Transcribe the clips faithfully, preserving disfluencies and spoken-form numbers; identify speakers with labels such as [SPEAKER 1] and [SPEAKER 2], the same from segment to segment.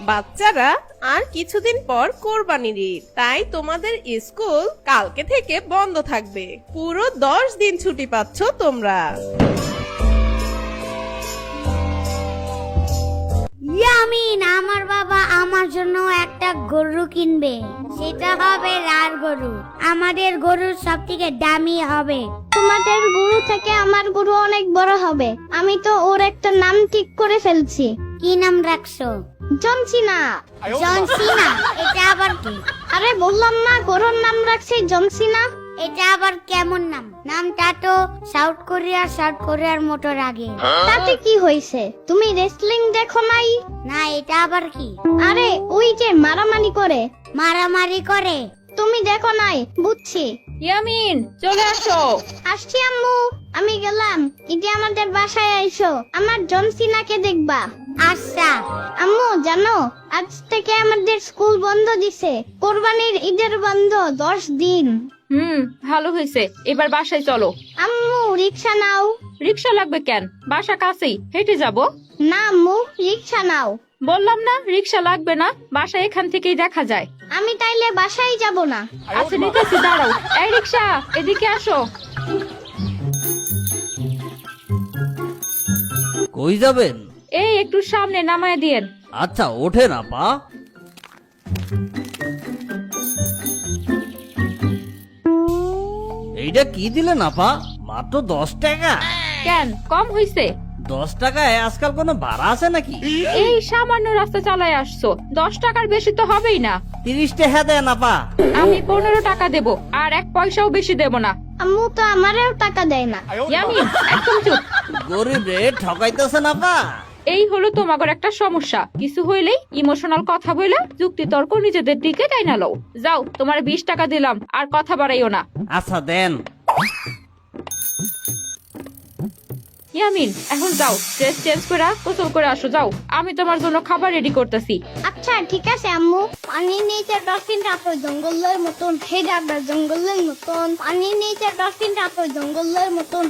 [SPEAKER 1] বাচ্চারা আর কিছুদিন পর কোরবানির ঈদ, তাই তোমাদের স্কুল কালকে থেকে বন্ধ থাকবে। পুরো দশ দিন ছুটি পাচ্ছ তোমরা।
[SPEAKER 2] ইয়ামিন, আমার বাবা আমার জন্য একটা গরু কিনবে। সেটা হবে লাল গরু। আমাদের গরুর সব থেকে দামি হবে।
[SPEAKER 3] তোমাদের গরু থেকে আমার গরু অনেক বড় হবে। আমি তো ওর একটা নাম ঠিক করে ফেলছি।
[SPEAKER 2] কি নাম রাখছো?
[SPEAKER 3] জনসিনা।
[SPEAKER 2] জনসিনা? এটা আবার কি?
[SPEAKER 3] আরে বললাম না, গরুর নাম রাখছি জনসিনা।
[SPEAKER 2] এটা আবার কেমন নাম? নামটা তো সাউথ কোরিয়া সাউথ কোরিয়ার মতো লাগে।
[SPEAKER 3] তাতে কি হয়েছে? তুমি রেসলিং দেখো নাই?
[SPEAKER 2] না, এটা আবার কি?
[SPEAKER 3] আরে ওই যে মারামারি করে।
[SPEAKER 2] মারামারি করে?
[SPEAKER 3] তুমি দেখো নাই, বুঝছি।
[SPEAKER 4] ইয়ামিন, চলে আসো।
[SPEAKER 3] আসছি আম্মু, আমি গেলাম। ইতি আমাদের বাসায় আইসো, আমার জনসিনাকে দেখবা।
[SPEAKER 2] আচ্ছা।
[SPEAKER 3] আম্মু জানো, আজ থেকে আমাদের স্কুল বন্ধ দিছে। কোরবানির ঈদের বন্ধ দশ দিন।
[SPEAKER 4] হুম, ভালো হয়েছে। এবার বাসায় চলো।
[SPEAKER 3] আম্মু রিক্সা নাও।
[SPEAKER 4] রিক্সা লাগবে কেন? বাসা কাছেই, হেঁটে যাব।
[SPEAKER 3] না আম্মু, রিক্সা নাও।
[SPEAKER 4] বললাম না রিক্সা লাগবে না, বাসা এখান থেকেই দেখা যায়।
[SPEAKER 3] আমি তাইলে বাসায় যাব না।
[SPEAKER 4] আচ্ছা নিতেছি, দাঁড়াও। এই রিক্সা, এদিকে আসো।
[SPEAKER 5] কই যাবেন?
[SPEAKER 4] এই একটু সামনে নামায় দিয়েন।
[SPEAKER 5] আচ্ছা ওঠে না পা। এইটা কি দিলেন আপা? মাত্র দশ টাকা?
[SPEAKER 4] কেন কম হইছে?
[SPEAKER 5] দশ টাকায় আজকাল কোনো ভাড়া আছে নাকি?
[SPEAKER 4] এই সামান্য রাস্তা চালায় আসছো, দশ টাকার বেশি তো হবেই না।
[SPEAKER 5] তিরিশ টাকা দেন আপা।
[SPEAKER 4] আমি পনেরো টাকা দেব, আর এক পয়সাও বেশি দেব না।
[SPEAKER 3] আম্মু তো আমারেও টাকা দেয় না।
[SPEAKER 4] ইয়ামিন, একদম চুপ।
[SPEAKER 5] গরিব রে ঠকাইতেছেন আপা।
[SPEAKER 4] এই হলো তোমাগর একটা সমস্যা। কিছু হইলেই ইমোশনাল কথা বলে যুক্তি তর্ক নিজেদের দিকে তাই না লও। যাও, তোমার বিশ টাকা দিলাম, আর কথা বাড়াইও না।
[SPEAKER 5] আচ্ছা দেন।
[SPEAKER 4] ইয়ামিন, এখন যাও, ড্রেস চেঞ্জ করে গোসল করে আসো। যাও, আমি তোমার জন্য খাবার রেডি করতেছি।
[SPEAKER 3] আচ্ছা ঠিক আছে আম্মু। পানির নিচে ডলফিন রাখো জঙ্গলের মতন। হে ডাবরা জঙ্গলের মতন। পানির নিচে ডলফিন রাখো জঙ্গলের মতন।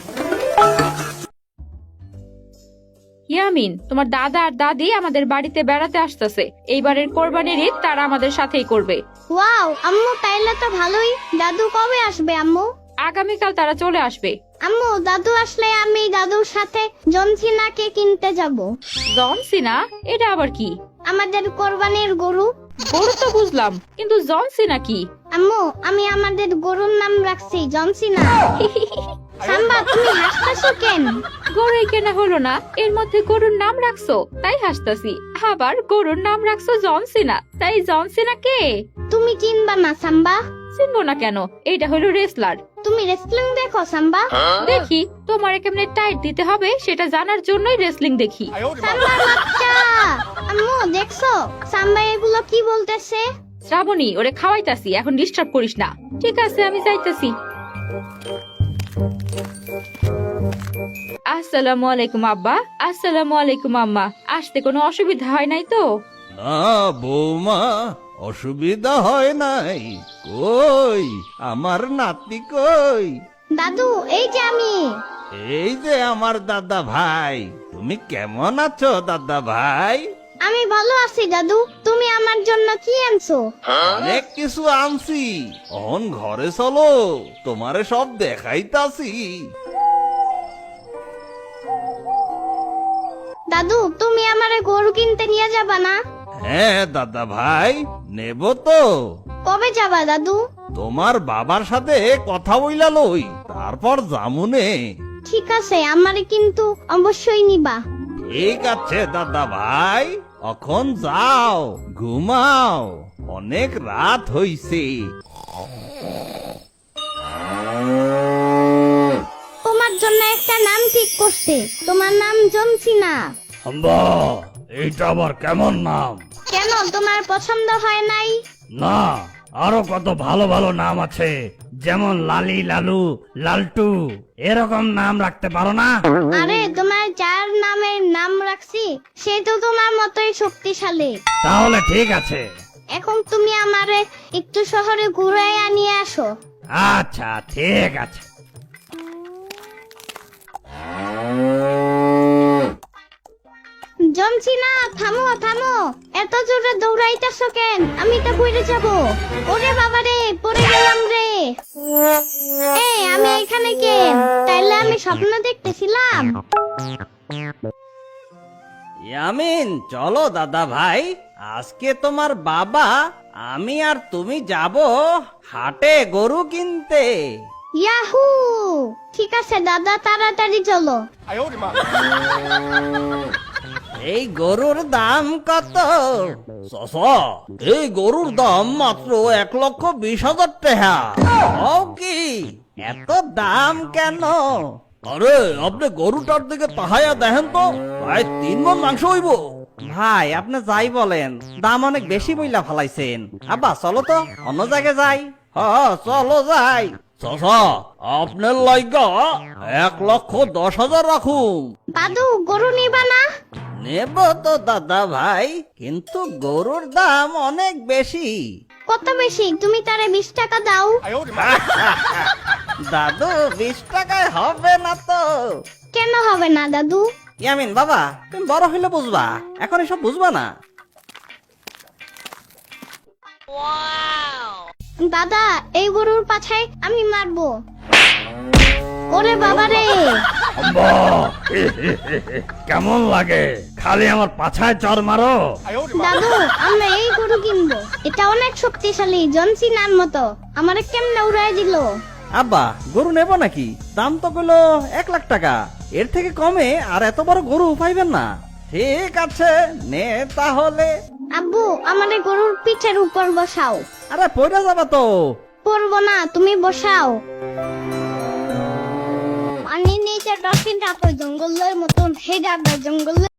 [SPEAKER 4] ইয়ামিন, তোমার দাদা আর দাদি আমাদের বাড়িতে বেড়াতে আসতেছে। এইবারের কোরবানির ঈদ তারা আমাদের সাথেই করবে।
[SPEAKER 3] ওয়াও আম্মু, তাইলে তো ভালোই। দাদু কবে আসবে আম্মু?
[SPEAKER 4] আগামীকাল তারা চলে আসবে।
[SPEAKER 3] আম্মু, দাদু আসলে আমি দাদুর সাথে জনসিনাকে কিনতে যাব।
[SPEAKER 4] জন সিনা? এটা আবার কি?
[SPEAKER 3] আমাদের কোরবানির গরু।
[SPEAKER 4] গরু তো বুঝলাম, কিন্তু জন সিনা কি?
[SPEAKER 3] আম্মু, আমি আমাদের গরুর নাম রাখছি জনসিনা। সাম্বা, তুমি হাসতেছো কেন?
[SPEAKER 4] গরুই কেনা হলো না, এর মধ্যে গরুর নাম রাখছো তাই হাসতাছি। আবার গরুর নাম রাখছো জন সিনা, তাই জন সিনা কে?
[SPEAKER 3] তুমি চিনবা না সাম্বা?
[SPEAKER 4] চিনবো না কেন? এইটা হলো রেসলার।
[SPEAKER 3] তুমি রেসলিং দেখো সাম্বা?
[SPEAKER 4] দেখি, তোমার কেমনে টাইট দিতে হবে সেটা জানার জন্যই রেসলিং দেখি।
[SPEAKER 3] সাম্বার বাচ্চা। আম্মু দেখছো সাম্বা এগুলো কি বলতেছে?
[SPEAKER 4] শ্রাবণী, ওরে খাওয়াইতাছি, এখন ডিস্টার্ব করিস না। ঠিক আছে, আমি যাইতাছি। আসসালামু আলাইকুম আব্বা। আসসালামু আলাইকুম আম্মা। আসতে কোনো অসুবিধা হয় নাই তো?
[SPEAKER 6] না বৌমা, অসুবিধা হয় নাই। কই আমার নাতি কই?
[SPEAKER 3] দাদু, এই যে আমি।
[SPEAKER 6] এই যে আমার দাদা ভাই। তুমি কেমন আছো দাদা ভাই?
[SPEAKER 3] আমি ভালো আছি দাদু। তুমি আমার জন্য কি আনছো?
[SPEAKER 6] অনেক কিছু আনছি। অন ঘরে চলো, তোমারে সব দেখাইতাছি।
[SPEAKER 3] দাদু, তুমি আমারে গরু কিনতে নিয়ে যাবা না?
[SPEAKER 6] হ্যাঁ দাদা ভাই, নেব তো।
[SPEAKER 3] কবে যাবা দাদু?
[SPEAKER 6] তোমার বাবার সাথে কথা বইলা লই, তারপর জামুনে।
[SPEAKER 3] ঠিক আছে, আমারে কিন্তু অবশ্যই নিবা।
[SPEAKER 6] ঠিক আছে দাদা ভাই, এখন যাও ঘুমাও, অনেক রাত হইছে।
[SPEAKER 3] তোমার জন্য একটা নাম ঠিক করছে। তোমার নাম জনসিনা।
[SPEAKER 5] আম্বা, এইটা আবার কেমন নাম?
[SPEAKER 3] কেন, তোমার পছন্দ হয় নাই?
[SPEAKER 5] না, আরো কত ভালো ভালো নাম আছে, যেমন লালি, লালু, লালটু, এরকম নাম রাখতে পারো না?
[SPEAKER 3] আরে তোমার যার নামের নাম রাখছি সে তো তোমার মতোই শক্তিশালী।
[SPEAKER 5] তাহলে ঠিক আছে।
[SPEAKER 3] এখন তুমি আমারে একটু শহরে ঘুরাইয়া নিয়ে আসো।
[SPEAKER 5] আচ্ছা ঠিক আছে।
[SPEAKER 3] জমছিনা থামো থামো, এত জোরে দৌড়াইতেছো কেন? আমি তো পড়ে যাব। ওরে বাবা রে, পড়ে গেলাম রে। এই আমি এখানে কেন? তাইলে আমি স্বপ্ন দেখতেছিলাম।
[SPEAKER 6] ইয়ামিন, চলো দাদা ভাই, আজকে তোমার বাবা, আমি আর তুমি যাব হাটে গরু কিনতে।
[SPEAKER 3] ইয়াহু, ঠিক আছে দাদা, তাড়াতাড়ি চলো।
[SPEAKER 6] এই গরুর দাম কত? চাচা, এই গরুর দাম মাত্র এক লক্ষ বিশ হাজার টাকা। ও কি, এত দাম কেন? আরে আপনি গরুটার দিকে তাহাইয়া দেখেন তো, প্রায় তিন মণ মাংস হইব। ভাই, আপনি যাই বলেন, দাম অনেক বেশি বইলা ফালাইছেন। আব্বা চলো তো অন্য জায়গায় যাই। হ্যাঁ চলো যাই। চাচা, আপনার লাইগা এক লক্ষ দশ হাজার রাখুন।
[SPEAKER 3] দাদু, গরু নিবা না?
[SPEAKER 6] নেব তো দাদা ভাই, কিন্তু গরুর দাম অনেক বেশি।
[SPEAKER 3] কত বেশি? তুমি তারে বিশ টাকা দাও।
[SPEAKER 6] দাদু, বিশ টাকায় হবে না তো।
[SPEAKER 3] কেন হবে না দাদু?
[SPEAKER 6] ইয়ামিন বাবা, তুমি বড় হইলে বুঝবা, এখন এসব বুঝবা না।
[SPEAKER 3] দাদা, এই গরুর পাছায় আমি মারবো। ওরে বাবা রে।
[SPEAKER 5] আম্মা! কেমন লাগে? খালি আমার পাছায় চর মারো।
[SPEAKER 3] দাদু, আমরা এই গরু কিনবো। এটা অনেক শক্তিশালী, জনসিনার মতো। আমারে কেমনে উড়াই দিল।
[SPEAKER 6] আব্বা, গরু নেব নাকি? দাম তো কইলো এক লাখ টাকা, এর থেকে কমে আর এত বড় গরু পাইবেন না। ঠিক আছে, নে তাহলে।
[SPEAKER 3] আব্বু, আমারে গরুর পিঠের উপর বসাও।
[SPEAKER 6] আরে পয়রা যাবা তো।
[SPEAKER 3] পড়বো না, তুমি বসাও। পানির নিচে ডলফিনটা তো জঙ্গলের মতন হেডার জঙ্গলের